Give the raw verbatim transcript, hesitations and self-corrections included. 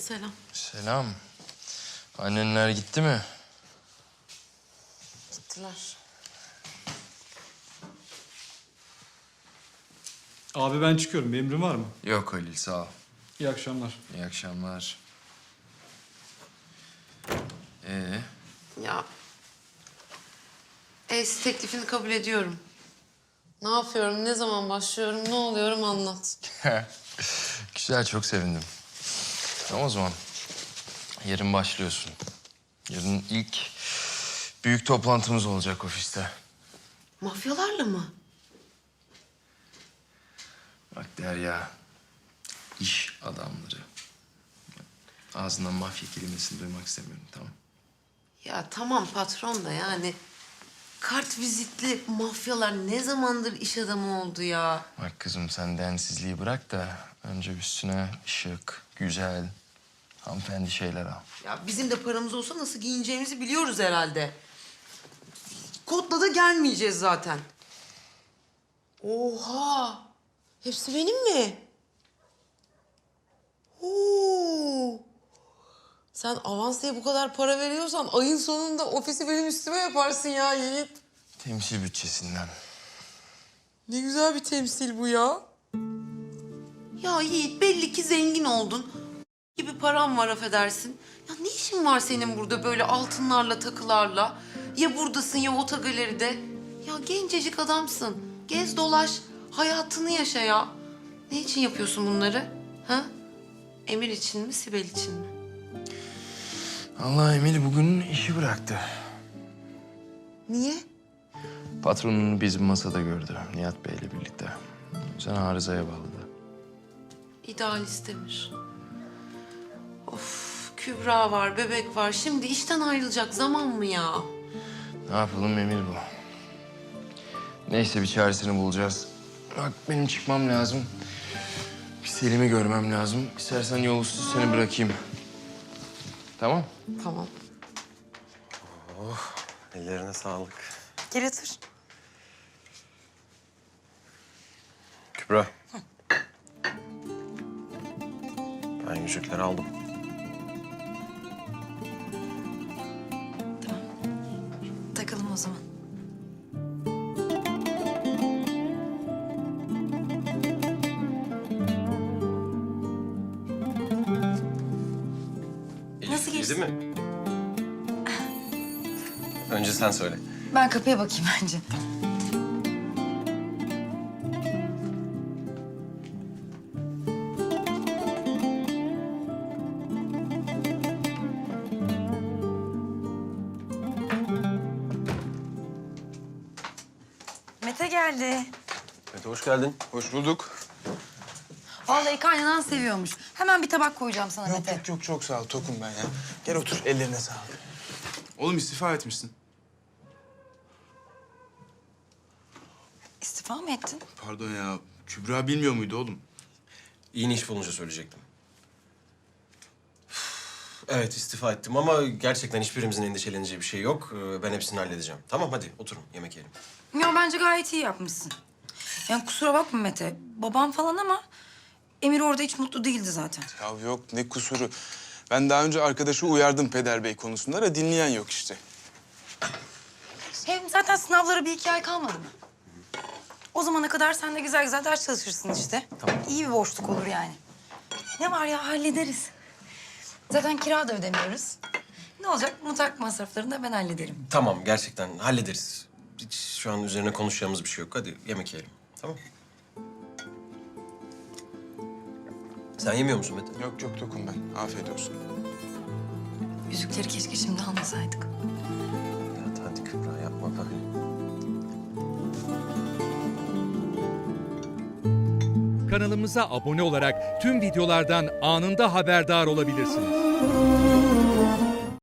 Selam. Selam. Annenler gitti mi? Gittiler. Abi ben çıkıyorum. Bir emrin var mı? Yok Halil, sağ ol. İyi akşamlar. İyi akşamlar. Ee, Ya... Eş teklifini kabul ediyorum. Ne yapıyorum, ne zaman başlıyorum, ne oluyorum anlat. güzel, çok sevindim. Tamam o zaman. Yarın başlıyorsun. Yarın ilk büyük toplantımız olacak ofiste. Mafyalarla mı? Bak Derya, iş adamları. Ağzından mafya kelimesini duymak istemiyorum, tamam? Ya tamam patron da yani... Kart vizitli mafyalar ne zamandır iş adamı oldu ya? Bak kızım, sen densizliği bırak da önce üstüne şık, güzel, hanımefendi şeyler al. Ya bizim de paramız olsa nasıl giyineceğimizi biliyoruz herhalde. Kotla da gelmeyeceğiz zaten. Oha! Hepsi benim mi? Oo! Sen avans diye bu kadar para veriyorsan ayın sonunda ofisi benim üstüme yaparsın ya Yiğit. Temsil bütçesinden. Ne güzel bir temsil bu ya. Ya Yiğit belli ki zengin oldun. Gibi param var affedersin. Ya ne işin var senin burada böyle altınlarla takılarla? Ya buradasın ya otogaleride. Ya gencecik adamsın. Gez dolaş. Hayatını yaşa ya. Ne için yapıyorsun bunları? Ha? Emir için mi, Sibel için mi? Allah, Emel bugün işi bıraktı. Niye? Patronunu bizim masada gördü Nihat Bey'le birlikte. Sen arızaya bağladı. İdealist Emir. Of, Kübra var, bebek var. Şimdi işten ayrılacak zaman mı ya? Ne yapalım, Emir bu. Neyse, bir çaresini bulacağız. Bak benim çıkmam lazım. Bir Selim'i görmem lazım. İstersen yol üstü seni bırakayım. Tamam? Tamam. Oh, ellerine sağlık. Gel otur. Kübra. Ben yüzükleri aldım. Takalım o zaman. Nasıl geçti? Değil mi? Önce sen söyle. Ben kapıya bakayım bence. Mete geldi. Mete hoş geldin. Hoş bulduk. Vallahi kaynanan seviyormuş. Hemen bir tabak koyacağım sana Yok Mete. yok yok çok sağ ol. Tokum ben ya. Gel otur. Ellerine sağlık. Oğlum istifa etmişsin. İstifa mı ettin? Pardon ya. Kübra bilmiyor muydu oğlum? İyi iş bulunca söyleyecektim. Evet istifa ettim ama gerçekten hiçbirimizin endişeleneceği bir şey yok. Ee, Ben hepsini halledeceğim. Tamam hadi oturun yemek yiyelim. Ya bence gayet iyi yapmışsın. Yani kusura bakma Mete. Babam falan ama Emir orada hiç mutlu değildi zaten. Ya yok ne kusuru. Ben daha önce arkadaşı uyardım Peder Bey konusunda da dinleyen yok işte. Hem zaten sınavlara bir iki ay kalmadı mı? O zamana kadar sen de güzel güzel ders çalışırsın işte. Tamam. İyi bir boşluk olur yani. Ne var ya hallederiz. Zaten kira da ödemiyoruz. Ne olacak? Mutfak masraflarını da ben hallederim. Tamam gerçekten hallederiz. Hiç şu an üzerine konuşacağımız bir şey yok. Hadi yemek yiyelim. Tamam. Sen yemiyor musun Mete? Yok yok tokum ben. Afiyet olsun. Yüzükleri keşke şimdi almasaydık. Ya hadi Kübra yapma böyle. Kanalımıza abone olarak tüm videolardan anında haberdar olabilirsiniz.